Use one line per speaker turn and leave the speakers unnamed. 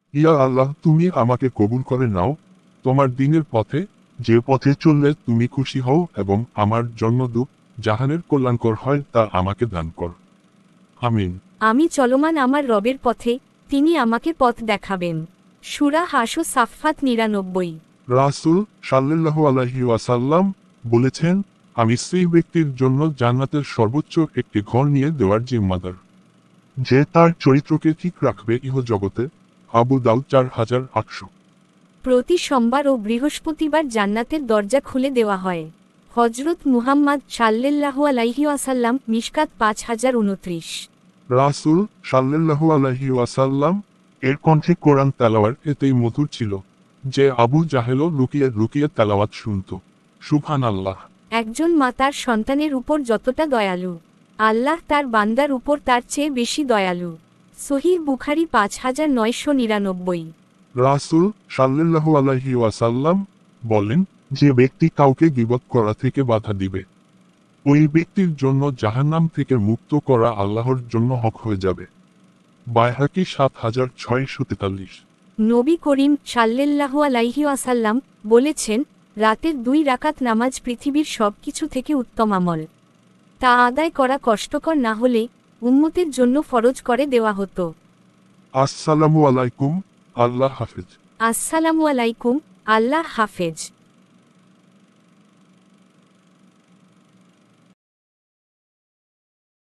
ইয়া আল্লাহ, তুমি আমাকে কবুল করে নাও তোমার দ্বীনের পথে, যে পথে চললে তুমি খুশি হও এবং আমার জন্য জাহানের কল্যাণকর হয় তা আমাকে দান কর। আমিন।
আমি চলমান আমার রবের পথে, তিনি আমাকে পথ দেখাবেন। সূরা হাশর সাফফাত ৯৯।
রাসূল সাল্লাল্লাহু আলাইহি ওয়াসাল্লাম বলেছেন, আমি সেই ব্যক্তির জন্য জান্নাতের সর্বোচ্চ একটি ঘর নিয়ে দেওয়ার জিম্মাদার, যে তার চরিত্রকে ঠিক রাখবে ইহজগতে। আবু দাউদ ৪,৮০০।
প্রতি সোমবার ও বৃহস্পতিবার জান্নাতের দরজা খুলে দেওয়া হয়। হজরত মুহাম্মদ সাল্লাল্লাহু আলাইহি ওয়াসাল্লাম, মিশকাত ৫,০২৯।
রাসূল সাল্লাল্লাহু আলাইহি ওয়াসাল্লাম এর কণ্ঠে কোরআন তেলাওয়াত এতেই মধুর ছিল যে আবু জাহেলও লুকিয়ে লুকিয়ে তেলাওয়াত শুনত। সুবহানাল্লাহ।
একজন মা তার সন্তানের উপর যতটা দয়ালু, আল্লাহ তার বান্দার উপর তার চেয়ে বেশি দয়ালু। সহিহ বুখারী ৫,৯৯৯।
রাসূল সাল্লাল্লাহু আলাইহি ওয়াসাল্লাম বলেন, যে ব্যক্তি কাউকে গীবত করা থেকে বাধা দিবে, ওই ব্যক্তির জন্য জাহান্নাম থেকে মুক্ত করা আল্লাহর জন্য হক হয়ে যাবে। বাইহাকী ৭,৬৪৩।
নবী করিম সাল্লাল্লাহু আলাইহি ওয়াসাল্লাম বলেছেন, রাতের ২ রাকাত নামাজ পৃথিবীর সব কিছু থেকে উত্তম আমল। তা আদায় করা কষ্টকর না হলে উম্মতের জন্য ফরজ করে দেওয়া হতো।
আসসালামু আলাইকুম। আল্লাহ হাফেজ।
আসসালামু আলাইকুম। আল্লাহ হাফেজ।